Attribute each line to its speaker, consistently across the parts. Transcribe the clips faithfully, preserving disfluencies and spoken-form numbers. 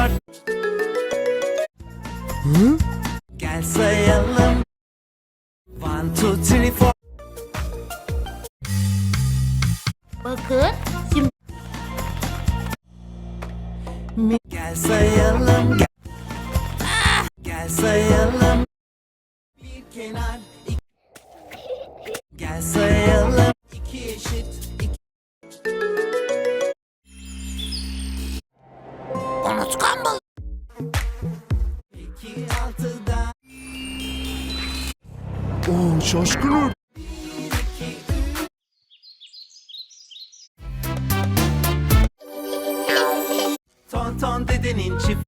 Speaker 1: dört. Hı? Gel sayalım. One, two, three, four.
Speaker 2: Bakın şimdi
Speaker 1: Gel sayalım. Gel, ah! Gel sayalım. Bir kenar. Iki. Gel sayalım. İki eşit. İki.
Speaker 2: unutkan mı?
Speaker 1: İki altıda.
Speaker 3: Oo, şaşkınım.
Speaker 1: Ton ton dedenin çift.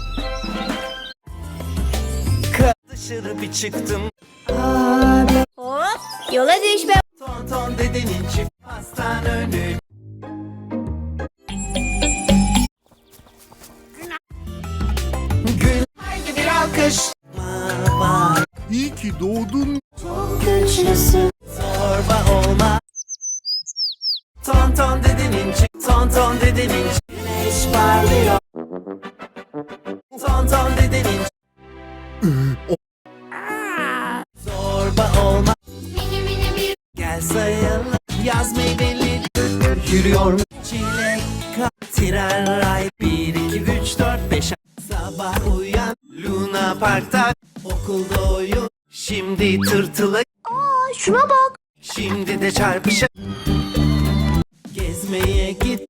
Speaker 1: Ka dışarı bir çıktım. Abi.
Speaker 2: Hop yola düşme.
Speaker 1: Ton ton dedenin çift. Hastane önü. Gül. Haydi bir alkış. Var.
Speaker 3: İyi ki doğdun.
Speaker 2: Çok güçlüsün.
Speaker 1: Zorba olma. Ton ton dedenin çift. Ton ton dedenin çift. Güneş parlıyor. Ton ton dedenin çift. Zorba olma.
Speaker 2: Mini mini bir.
Speaker 1: Gel sayalım. Yaz meyveli. Yürüyor mu? Çilek, kap, tren, ray. Bir, iki, üç, dört, beş. Sabah uyan. Luna Park'ta. Okulda oyun. Şimdi tırtıla.
Speaker 2: Aa şuna bak.
Speaker 1: Şimdi de çarpışa. Gezmeye git.